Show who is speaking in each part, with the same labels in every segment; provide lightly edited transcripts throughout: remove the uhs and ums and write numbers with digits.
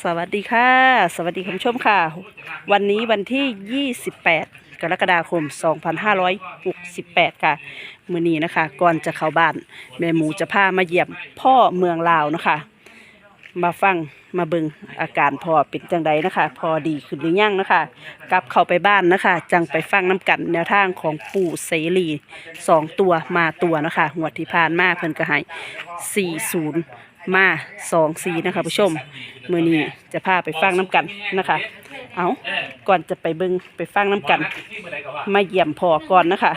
Speaker 1: สวัสดีค่ะสวัสดีคุณผู้ชมค่ะวันนี้วันที่28กรกฎาคม2568ค่ะมื้อนี้นะคะก่อนจะเข้าบ้านแม่หมูจะพามาเยี่ยมพ่อเมืองลาวนะคะมาฟังมาเบิ่งอาการพ่อเป็นจังใดนะคะพอดีขึ้นหรือยังนะคะกลับเข้าไปบ้านนะคะจังไปฟังน้ำกันแนวทางของปู่เสรี2ตัวมาตัวนะคะงวดที่ผ่านมาเพิ่นก็ให้40มา24นะคะผู้ชมมื้อนี้จะพาไปฟังน้ำกันนะคะเอาก่อนจะไปเบิ่งไปฟังน้ำกันมาเยี่ยมพ่อก่อนนะคะ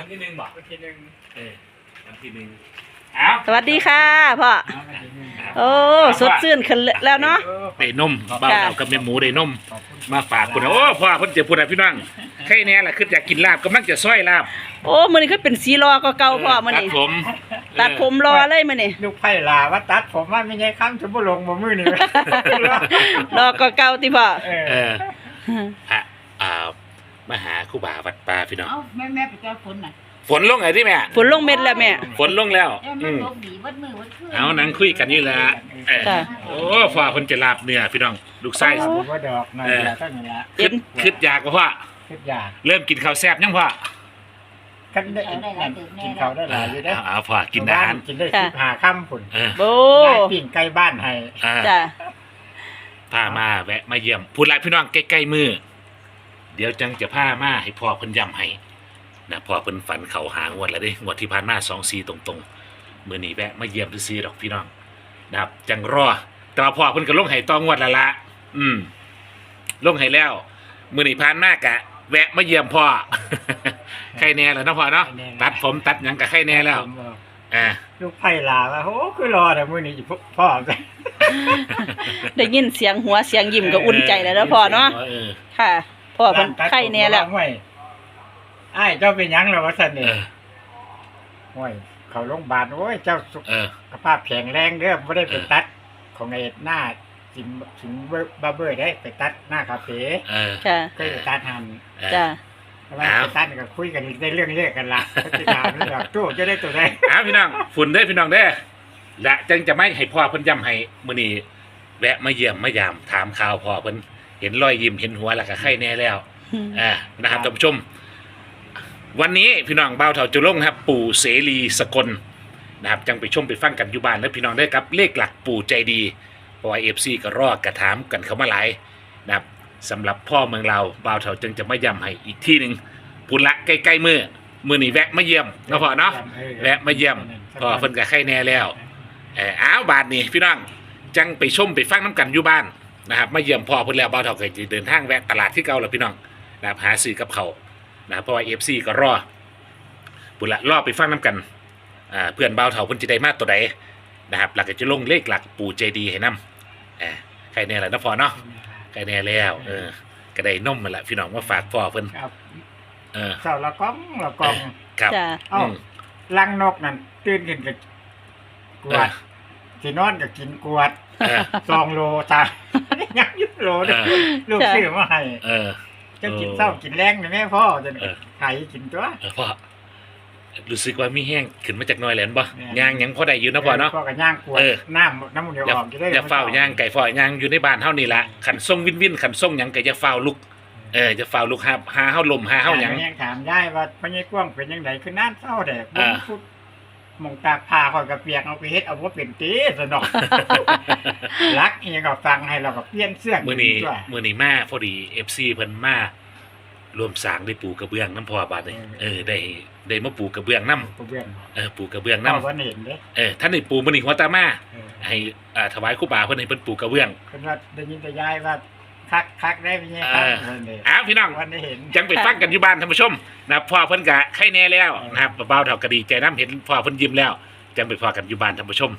Speaker 1: สวัสดีค่ะพ่อโอ้สดชื่นขึ้นแล้วเนาะ
Speaker 2: ได้นมบ้าวเรากับแม่หมูได้นมมาฝากคุณโอ้พ่อเพิ่นเจ็บพุ่นพี่น้องใครแน่ล่ะคืออยากกินลาบกำลังจะซอยลาบ
Speaker 1: โอ้มื้อนี้คือเป็นสีรอก็เก่าพ่อมื้อนี้ตัดผมรอเลยมื้อนี้
Speaker 3: ลูกไผ่ลาว่าตัดผมว่าไม่ใช่คำจะบ่ลงบ่มือนี่
Speaker 1: รอก็เก่าติพ่อ
Speaker 2: พระมหาครูบาวัดป่าพี่น้อง
Speaker 4: แม่ไปเจอฝนน่ะ
Speaker 2: ฝนลงไงที่แม่
Speaker 1: ฝนลงเม็ดแล้วแม่
Speaker 2: ฝนลงแล้ว
Speaker 4: เอา
Speaker 2: นั่งคุยกันนี่แหละโอ้พ่อเพิ่นจะลาบเนื้อพี่น้องลูกไส้
Speaker 3: ว่าดอกนั่นแหละก็นี่แหละ
Speaker 2: คิดอยากก็พ่อ
Speaker 3: คิดอยาก
Speaker 2: เริ่มกินข้าวแซ่บยังพ่อ
Speaker 3: กันได้กินข้าวได้หลายอยู่เด้อ
Speaker 2: พ่อกินอาหาร
Speaker 3: กินได้15ค่ำพุ่น
Speaker 1: โอ้
Speaker 3: ปิ้งไก่บ้านให้
Speaker 1: จ้ะ
Speaker 2: พามาแวะมาเยี่ยมพูดหลายพี่น้องใกล้ๆมือเดี๋ยวจังจะพามาให้พ่อเพิ่นย้ำให้นะพ่อเพิ่นฝันเขาหางวดแล้วเด้งวดที่ผ่านมา24ตรงๆมื้อนี้แวะมาเยี่ยมซื่อๆดอกพี่น้องนะครับจังรอแต่ว่าพ่อเพิ่นก็ลงให้ตองวดแล้วละลงให้แล้วมื้อนี้ผ่านมากะแวะมาเยี่ยมพ่อใครแน่แล้วเนาะพ่อเนาะตัดผมตัดหยังก็ใครแน่แล้ว
Speaker 3: ลูกไผ่ลาว่าโอ้คือรอแต่มื้อนี้พ่อ
Speaker 1: ได้ยินเสียงหัวเสียงยิ้มก็อุ่นใจแล้วนะพ่อเนาะค่ะพ่อเพิ่นไข้แน่แล้ว
Speaker 3: อ้ายเจ้าเป็นหยังแล้ววะซั่นนี่โอ้ยเข้าโรงพยาบาลโอ้ยเจ้าสุขภาพแข็งแรงเด้อบ่ได้ไปตัดของไอ้หน้าสิงบาร์เบอร์ได้ไปตัดหน้าคาเฟ่
Speaker 1: ค่ะ
Speaker 3: เคยไปตัดหัน
Speaker 1: จ้ะ
Speaker 3: ว่าไปตัดก็คุยกันได้เรื่องเรียกกันละสิถามเรื่องตู้จะได้ตัวใด
Speaker 2: พี่น้องฝุ่นเด้อพี่น้องเด้อและจังจะไม่ให้พ่อเพิ่นย้ำให้มื้อนี้แวะมาเยี่ยมมายามถามข่าวพ่อเพิ่นเห็นรอยยิ้มเห็นหัวแล้วก็ไข้แน่แล้วนะครับท่านผู้ชมวันนี้พี่น้องบ่าวเฒ่าจุลงครับปู่เสรีสกลนะครับจังไปชมไปฟังกันอยู่บ้านแล้วพี่น้องได้กับเลขหลักปู่ใจดีเพราะว่า FC ก็รอกระถามกันเข้ามาหลายนะครับสำหรับพ่อเมืองเราบ่าวเฒ่าจึงจะมาย้ำให้อีกที่นึงพุ่นละใกล้ๆมื้อนี้แวะมาเยี่ยมเนาะพ่อเนาะแวะมาเยี่ยมพ่อเพิ่นก็ไข้แน่แล้วบาดนี้พี่น้องจังไปชมไปฟังน้ำกันอยู่บ้านนะครับมาเยี่ยมพ่อเพิ่นแล้วบ่าวเฒ่าก็จะเดินทางแวะตลาดที่เก่าแล้วพี่น้องนะครับหาซื้อกับเขานะเพราะว่า FC ก็รอบุญละรอไปฟังน้ำกันเพื่อนเบาเถาเพิ่นจะได้มาตัวใดนะครับหลักจะลงเลขหลักปู่ใจดีให้นำใครแน่แหละนะพ่อเนาะใครแน่แล้วก็ได้นมมาละพี่น้องมาฝากพ่อเพิ่น
Speaker 3: เจ้าละก้อง
Speaker 2: ครับ
Speaker 3: ลังนกนั่นตื่นขึ้นก็กวดสินอนก็กินกวด2 โลตายัง1 โลลูกซื้อมาให้จะกินเศร้ากินแรงนะแม่พ่อจะไข่กินตัว
Speaker 2: พ่อรู้สึกว่ามีแห้งขึ้นมาจากน้อยแหลนบ่ย่างยังพอได้อยู่นะพ่อเนาะ
Speaker 3: พ่อก็ย่างกวดน้ำมันเดี๋ยวออกจะได้
Speaker 2: อย่าเฝ้าย่างไก่ฝ้ย่างอยู่ในบ้านเฮานี่ละขันส่งวินขันส่งหยังก็อย่าเฝ้าลุกจะเฝ้าลุกหาเฮาลมหาเฮาหยัง
Speaker 3: ถามได้ว่าพ่อใหญ่กว้างเป็นจังไดคือน้ำเศร้าแดดพุดมองตากผ้าข่อยก็เปียกเอาไปเฮ็ดเอาบ่เป็นตีซะเนาะรักอีหยังก็ฟังให้เราก็เปลี่ยนเสื้อ
Speaker 2: มื้อนี้มาพอดี FC เพิ่นมารวมสร้างได้ปูกระเบื้องน้ำพ่อบาดนี่ได้มาปูกระเบื้องน้ำปูกระเบื้องน้ำท่านได้ปูมื้อนี้หัวตามาให้ถวายครูบาเพิ่นให้เพิ่นปูกระเบื้อง
Speaker 3: เพิ่นว่าได้ยินแต่ยายว่าคักได้เป็นไง
Speaker 2: ครับพี่น้องจังไปฟังกันอยู่บ้านท่านผู้ชมนะพ่อเพิ่นก็ไข้แน่แล้วนะครับเบาเฒ่าก็ดีใจน้ำเห็นพ่อเพิ่นยิ้มแล้วจังไปฟังกันอยู่บ้านท่านผู้ชม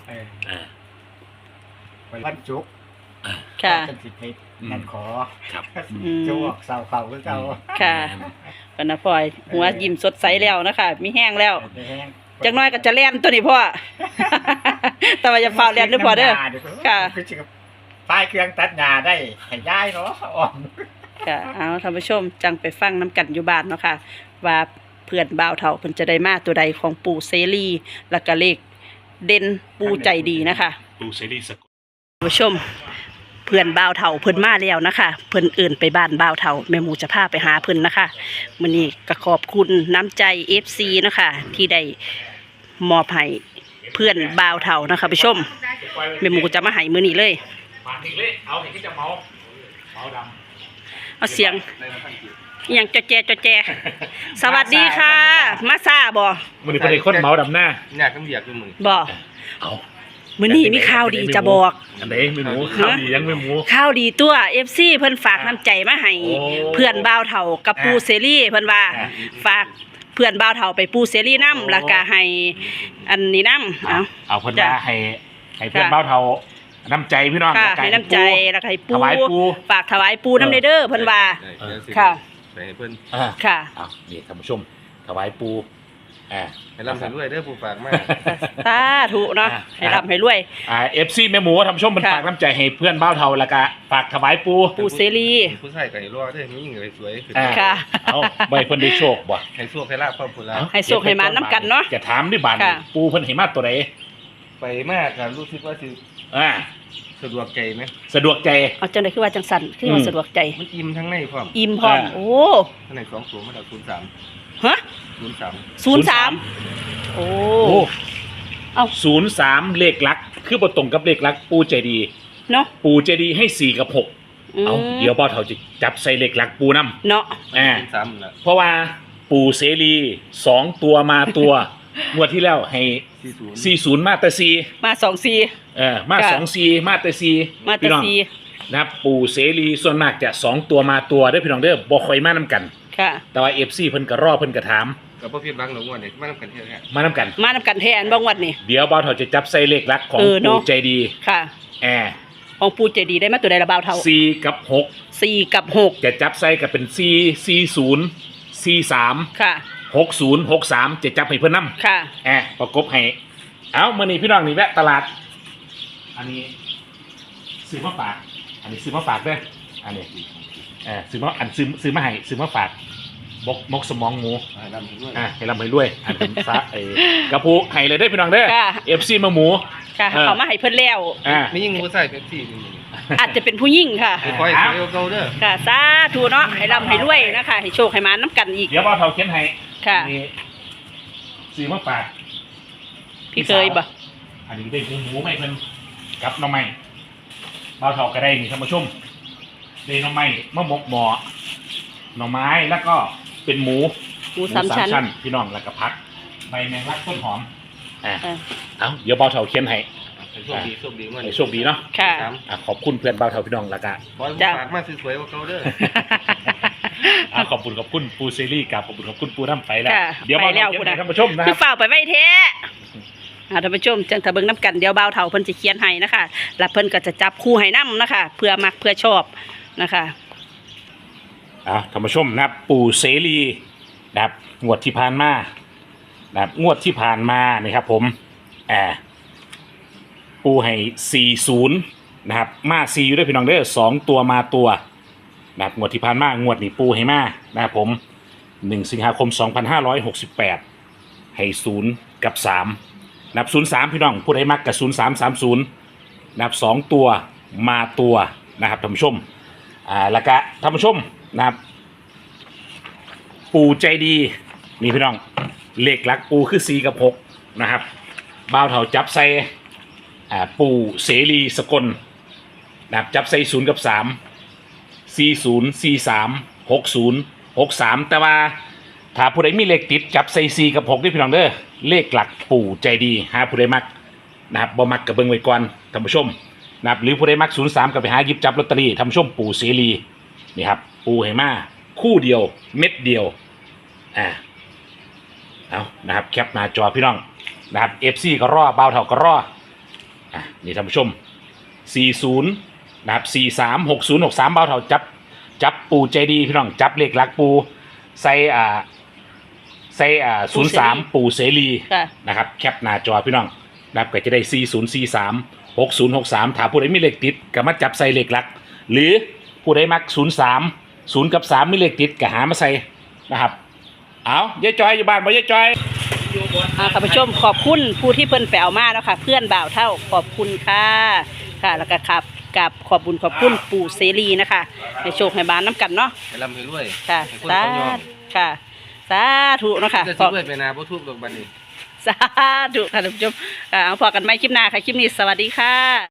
Speaker 3: วันศุกร์
Speaker 1: ค่ะ
Speaker 3: นั่นขอ
Speaker 2: ครับ
Speaker 3: จวกเสาเขาคือเก่า
Speaker 1: ค่ะปนพ่อยหัวยิ้มสดใสแล้วนะคะมีแห้งแล้วจังน้อยก็จะแล่นตัวนี้พ่อแต่ว่าจะเฝ้าแล่นหรือพ่อเด้อค่ะ
Speaker 3: ป้ายเครื่องตัดหญ้าได้ให้ย้ายเนาะ
Speaker 1: ค่ะเอาท่านผู้ชมจังไปฟังน้ำกันอยู่บ้านเนาะค่ะว่าเพื่อนบ่าวเฒ่าเพิ่นจะได้มาตัวใดของปู่เสรีแล้วก็เลขเด่นปู่ใจดีนะคะ
Speaker 2: ปู่เสรีสกล
Speaker 1: ท่านผู้ชมเพื่อนบ่าวเฒ่าเพิ่นมาแล้วนะคะเพิ่นเอิ่นไปบ้านบ่าวเฒ่าแม่หมูจะพาไปหาเพิ่นนะคะมื้อนี้ก็ขอบคุณน้ำใจ FC นะคะที่ได้มอบให้เพื่อนบ่าวเฒ่านะคะผู้ชมแม่หมูจะมาให้มื้อนี้เลย
Speaker 2: ปากอีกเลยเอาเห็นที่จะเมาดำ
Speaker 1: เอาเสียงอหย่างจอแจสวัสดีค่ะ มาซาบ่
Speaker 2: มันนี่ประเด็นคนเมาดำหน้า
Speaker 5: อยากต้องเรียกด้วยมือ
Speaker 1: บ่
Speaker 2: เอา
Speaker 1: มื้อนี้มีข่าวดีจะบอก
Speaker 2: อันไหนไม่หมูข้าวดียังไม่หมู
Speaker 1: ข่าวดีตัว FC เพิ่นฝากน้ำใจมาให้
Speaker 2: โอ้
Speaker 1: เพื่อนบ่าวเฒ่ากับปูเซรี่เพิ่นว่า
Speaker 2: อ่า
Speaker 1: ฝากเพื่อนบ่าวเฒ่าไปปูเซรี่นำแล้วก็ให้อันนี้นำเอา
Speaker 2: เอาเพิ่นว่าให้เพื่อนเบ้าเทาน้ำใจพี่น้อง
Speaker 1: ค่ะ
Speaker 2: แล้วก็
Speaker 1: ให้น้ำใจแล้วก็ให้ปู
Speaker 2: ถวายปู
Speaker 1: ฝากถวายปูน้ำเด้อเพิ่นว่า
Speaker 5: ได้เดี๋ยวสิ
Speaker 1: ค่ะ
Speaker 5: ไปให้เพิ่น
Speaker 2: อ่า
Speaker 1: ค่ะ
Speaker 2: เอานี่ท่านผู้ชมถวายปูอ่า
Speaker 5: ให้รับสันด้วยเด้อผู้ฝากมา
Speaker 1: สาธุเนาะ
Speaker 2: อ่า
Speaker 1: ให้ร่ำให้รวย
Speaker 2: FC แม่หมูท่านผู้ชมมัน
Speaker 1: ค่ะ
Speaker 2: ฝากน้ำใจให้เพื่อนเบ้าเทาแล้วก็ฝากถวายปู
Speaker 1: ปูเซรี่
Speaker 5: ผู้ชายก็ให้รอเด้อมีหญิงก็ให้สวยขึ้น
Speaker 2: อ่า
Speaker 1: ค่ะ
Speaker 2: เอาใบเพิ่นได้โชคบ่
Speaker 5: ให้สู้ให้ลาบครอบครัวเรา
Speaker 2: เอา
Speaker 1: ให้โชคให้มาน้ำกันเนาะ
Speaker 2: จะถามด้วยบาน
Speaker 1: ค่ะ
Speaker 2: ปูเพิ่นให้มาตัวใด
Speaker 5: ไปมากก็รู้สึกว่าสิ
Speaker 2: อ่า
Speaker 5: สะดวกใจไหม
Speaker 2: สะดวกใจ
Speaker 1: เอาจังได๋คือว่าจังสั่นคือว่าสะดวกใจ
Speaker 5: มันอิ่มทั้งในพร้อม
Speaker 1: อิ่มพร้อม
Speaker 2: อ่า
Speaker 1: โอ้
Speaker 5: ข้างใน2ตัวมันเอา03
Speaker 1: ฮะ 03โอ้
Speaker 2: โอ้
Speaker 1: เอ้า
Speaker 2: 03เลขหลัก คือบ่ตรงกับเลขหลักปูใจดี
Speaker 1: เนาะ
Speaker 2: ปูใจดีให้4กับ6เอาเดี๋ยวเบ้าเทาจะจับใส่เลขหลักปูนำ
Speaker 1: เนาะ
Speaker 2: อ่า
Speaker 5: 03นั่นล่ะ
Speaker 2: เพราะว่าปู่เสรี2ตัวมาตัว งวดที่แล้วให้
Speaker 5: 40
Speaker 2: 40มาแต่
Speaker 1: มา24
Speaker 2: 4มา
Speaker 1: ค่ะ
Speaker 2: 24มาแต่4
Speaker 1: มาแต่
Speaker 2: พี่น้อง
Speaker 1: 4
Speaker 2: นะครับปู่เสรีส่วนมากจะ2ตัวมาตัวเด้อพี่น้องเด้อบ่ค่อยมานํกัน
Speaker 1: ค่ะ
Speaker 2: แต่ว่า FC เพิ่นก็รอเพิ่นก็ถาม
Speaker 5: ก็บ่ผิดหวังหรอกว่าเนี่ยมานำกันเที่ยวแท้
Speaker 2: มานํกัน
Speaker 1: มานำกันแทนบ้างวันนี้
Speaker 2: เดี๋ยวบ่าวเฒ่าจะจับใส่เลขหลักของ
Speaker 1: เนาะ
Speaker 2: ปู่ใจดี
Speaker 1: ค่ะ
Speaker 2: แอ
Speaker 1: ของปูเจดีได้มาตัวใดละบ่าวเท่า
Speaker 2: 4กับ6
Speaker 1: 4 กับ
Speaker 2: จะจับใส่ก็เป็น4 40 43
Speaker 1: 6 ค่ะ
Speaker 2: 60 63จะจับให้เพิ่นนำ
Speaker 1: ค่ะ
Speaker 2: ประกบให้ เอามื่อนี้พี่น้องนี่แวะตลาด อันนี้ซื้อมาฝาก อันนี้ซื้อมาฝากด้วยอันนี้ซื้อมาซื้อมาให้ซื้อมาฝากมกสมองหมู
Speaker 5: ให้นำด้วย
Speaker 2: ให้ลำให้ด้วยอันเป็นซะกระพุให้เลยได้อพี่น้องเด้อ
Speaker 1: ค่ะ
Speaker 2: FC มาหมู
Speaker 1: ค่ะ เอามาให้เพิ่นแล้ว
Speaker 5: มีหญิงผู้ชายเป็นที่นี่
Speaker 1: อาจจะเป็นผู้หญิงค่ะ
Speaker 5: ไปคอยสวยเก่าๆเด้อ
Speaker 1: ค่ะสาธุเนาะให้ร่ำให้รวยนะคะ ให้โชคให้มาน้ำกันอีก
Speaker 2: เดี๋ยวบ่าวเฒ่าเขียนให้
Speaker 1: ค่ะ
Speaker 2: อันนี้ซื้อมาฝาก
Speaker 1: พี่เคยบ่
Speaker 2: อันนี้ได้หมูไม่เพิ่นกับหน้องไม้บ่าวเฒ่าก็ได้นี่ท่านผู้ชมได้หน้องไม้มะมกหมอหน่อไม้แล้วก็เป็นหมู
Speaker 1: หมูสามชั้น
Speaker 2: พี่น้องแล้วก็พักใบแมงลักต้นหอม
Speaker 1: อ่า
Speaker 2: เอาเดี๋ยวเบาเถาเขียนให้
Speaker 5: ให้โชคดีโชคดีมื้อ
Speaker 2: ให้
Speaker 5: นี้
Speaker 2: โชคดีเนาะ
Speaker 1: ค่ะ
Speaker 2: ขอบคุณเพื่อนเบาเถาพี่น้องแล้วก็
Speaker 5: ขอให้ผู้ฝากมาสวยๆเก่าๆเด้อ
Speaker 2: ขอบคุณปูซีรีส์กับขอบคุณปูน้ำไปแล้ว
Speaker 1: ค่ะ
Speaker 2: เดี๋ยวเบา
Speaker 1: ไปแล้
Speaker 2: เถาว เขียน
Speaker 1: คุณ
Speaker 2: ให้
Speaker 1: นะ
Speaker 2: ท่านผู้ชมนะค
Speaker 1: คื
Speaker 2: รั
Speaker 1: อบ ฝ่ากไปไว้แท้ท่านผู้ชมจังถ้าเบิ่งน้ำกันเดี๋ยวบ่าวเฒ่าเพิ่นจะเขียนให้นะคะแล้วเพิ่นก็จะจับคู่ให้นํนะคะ เพื่อมักเพื่อชอบนะคะ
Speaker 2: ท่านผู้ชมนะครับปูเสรีนะครับงวดที่ผ่านมานะครับงวดที่ผ่านมานะครับผมปูให้40นะครับมา4อยู่ด้วยพี่น้องเด้อ2ตัวมาตัวนะครับงวดที่ผ่านมางวดนี้ปูให้มานะครับผม1สิงหาคม2568ให้0กับ3นับ03พี่น้องผู้ใดมักกับ0330นับ2ตัวมาตัวนะครับท่านผู้ชมแล้วก็ท่านผู้ชมนะครับปูใจดีนี่พี่น้องเลขหลักปูคือ4กับ6นะครับบ่าวเฒ่าจับใส่ปูเสรีสกลนะครับจับใส่0กับ3 40 43 60 63แต่ว่าถ้าผู้ใดมีเลขติดจับใส่4กับ6ด้วยพี่น้องเด้อเลขหลักปู่ใจดีหาผู้ใดมักนะครับบ่มักกับเบิ่งไว้ก่อนท่านผู้ชมนะครับหรือผู้ใดมัก03ก็ไปหาหยิบจับลอตเตอรี่ท่านผู้ชมปู่เสรีนี่ครับปู่ให้มาคู่เดียวเม็ดเดียวเอานะครับแคปหน้าจอพี่น้องนะครับ FC ก็รอบ่าวเฒ่าก็รอนี่ท่านผู้ชม40นะครับ43 60 63บ่าวเฒ่าจับปูใจดีพี่น้องจับเลขหลักปูใส่03ปูเสรี
Speaker 1: ค่ะ
Speaker 2: นะครับแคปหน้าจอพี่น้องนะครับก็จะได้4043 6063ถ้าผู้ใดมีเลขติดก็มาจับใส่เลขหลัก หรือผู้ใดมัก03 0กับ3มีเลขติดก็หามาใส่นะครับเอายายจอยอยู่บ้านบ่ยายจอย
Speaker 1: ท่านผู้ชมขอบคุณผู้ที่เพิ่นแปลมาแล้วค่ะ เพื่อนบ่าวเท่าขอบคุณค่ะค่ะแล้วก็ครับกับขอบบุญขอบคุณปู่เสรีนะคะให้โชคให้บานน้ำกันเนาะ
Speaker 5: ให้ร่ำให้รวย
Speaker 1: ค่ะ
Speaker 5: ให้คน
Speaker 1: สา
Speaker 5: เขายอม
Speaker 1: ค่ะสาธุเนาะค่ะ
Speaker 5: จะ
Speaker 1: ข
Speaker 5: สิ
Speaker 1: อบ
Speaker 5: รวยไปนาบ่ทุบดอกบัดนี้
Speaker 1: สาธุค่ะท่านผู้ชมเอาพอกันไหมคลิปหน้าค่ะคลิปนี้สวัสดีค่ะ